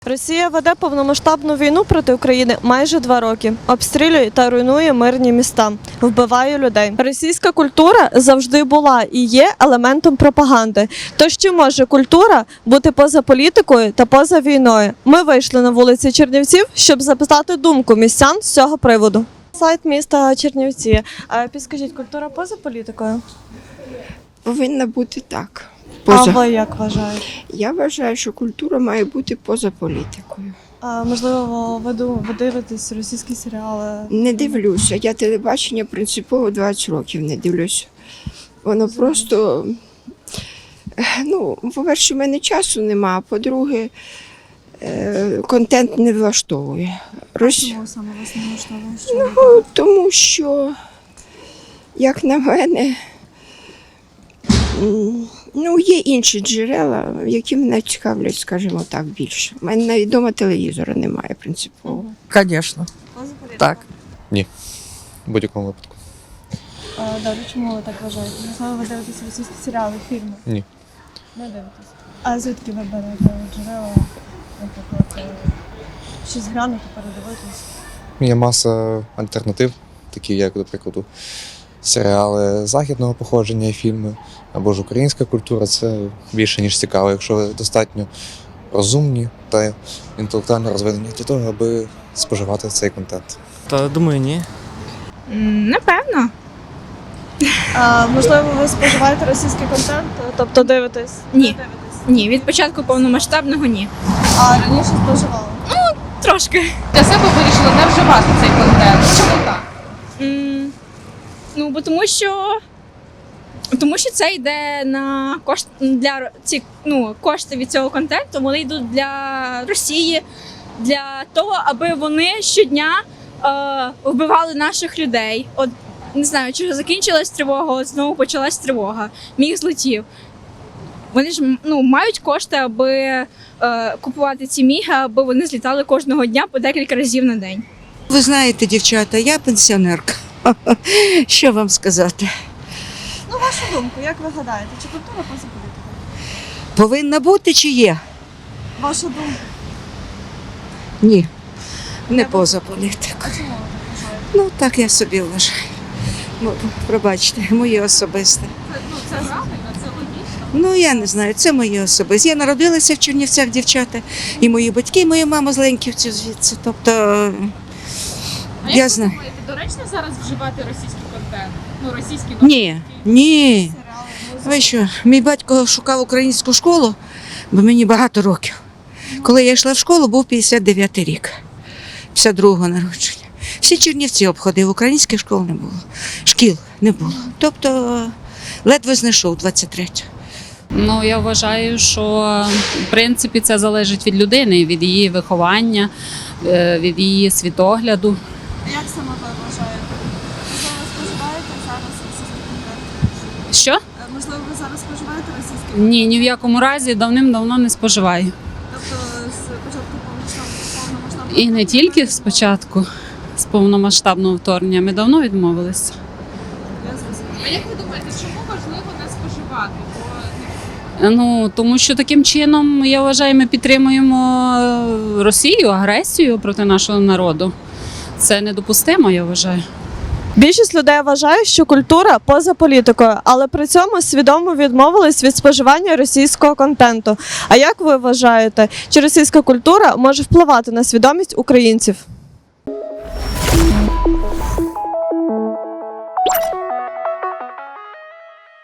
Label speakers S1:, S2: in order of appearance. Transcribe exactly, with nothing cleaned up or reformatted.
S1: Росія веде повномасштабну війну проти України майже два роки. Обстрілює та руйнує мирні міста, вбиває людей. Російська культура завжди була і є елементом пропаганди. Тож чи може культура бути поза політикою та поза війною? Ми вийшли на вулиці Чернівців, щоб запитати думку містян з цього приводу. Сайт міста Чернівці. Підскажіть, культура поза політикою?
S2: Повинна бути так.
S1: Поза. А ви як вважаєте?
S2: Я вважаю, що культура має бути поза політикою.
S1: А, можливо, ви, ви дивитесь російські серіали?
S2: Не дивлюся. Я телебачення принципово двадцять років не дивлюся. Воно просто, ну, по-перше, в мене часу нема, а по-друге, контент не влаштовує. Рос...
S1: Чому саме вас не влаштовує?
S2: Ну, тому що, як на мене, ну, є інші джерела, які мене цікавлять, скажімо так, більше. У мене навіть вдома телевізора немає принципово.
S3: Звісно. Так.
S4: Ні, в будь-якому випадку.
S1: А, добре, чому ви так вважаєте? Можливо, ви дивитесь російські серіали, фільми?
S4: Ні.
S1: Не дивитесь. А звідки ви берете джерела, наприклад, щось глянути, передивитись?
S4: Є маса альтернатив, такі як, до прикладу, серіали західного походження і фільми, або ж українська культура. Це більше, ніж цікаво, якщо ви достатньо розумні та інтелектуально розвинені для того, аби споживати цей контент.
S3: Та думаю, ні.
S5: Напевно.
S1: А, можливо, ви споживаєте російський контент, тобто дивитесь?
S5: Ні.
S1: Не дивитесь?
S5: Ні, від початку повномасштабного ні.
S1: А раніше споживали?
S5: Трошки.
S6: Для себе вирішила не вживати цей контент. Чому так?
S5: М, Ну, бо тому що. Тому що це йде на кошт для ці ну, кошти від цього контенту, вони йдуть для Росії, для того, аби вони щодня е, вбивали наших людей. От не знаю, чи закінчилась тривога, от знову почалась тривога. Міг злетів. Вони ж ну, мають кошти, аби е, купувати ці міги, аби вони злітали кожного дня по декілька разів на день.
S7: Ви знаєте, дівчата, я пенсіонерка. Що вам сказати?
S1: Ну, вашу думку, як ви гадаєте, чи культура поза політикою?
S7: Повинна бути чи є?
S1: Ваша думка?
S7: Ні, не поза політикою.
S1: А чому ви так вважаєте?
S7: Ну, так я собі вважаю. Ну, пробачте, моє особисте.
S6: Ну, це правильно, це логічно.
S7: Ну, я не знаю, це моє особисте. Я народилася в Чернівцях, дівчата, і мої батьки, і моя мама з Леньківців звідси. Тобто,
S6: А
S7: я
S6: як ви
S7: знаю.
S6: думаєте, доречно зараз вживати російський контент? Ну, російський
S7: Ні, ні. Ви що, мій батько шукав українську школу, бо мені багато років. Коли я йшла в школу, був п'ятдесят дев'ятий рік, п'ятдесят другого народження. Всі Чернівці обходив, українських школ не було, шкіл не було. Тобто ледве знайшов двадцять третього.
S8: Ну, я вважаю, що в принципі це залежить від людини, від її виховання, е, від її світогляду.
S1: Як саме ви вважаєте? Можливо, ви споживаєте зараз російський контент?
S8: Що?
S1: Е, Можливо, ви зараз споживаєте російський контент?
S8: Ні, ні в якому разі давним-давно не споживаю.
S1: Тобто з початку повномасштабного повномасштабного
S8: І не тільки спочатку, з повномасштабного вторгнення, ми давно відмовилися.
S1: Я зрозуміла.
S6: А як ви думаєте, чому важливо не споживати? Бо
S8: Ну, тому що таким чином, я вважаю, ми підтримуємо е, Росію, агресію проти нашого народу. Це недопустимо, я вважаю.
S1: Більшість людей вважає, що культура поза політикою, але при цьому свідомо відмовились від споживання російського контенту. А як ви вважаєте, чи російська культура може впливати на свідомість українців?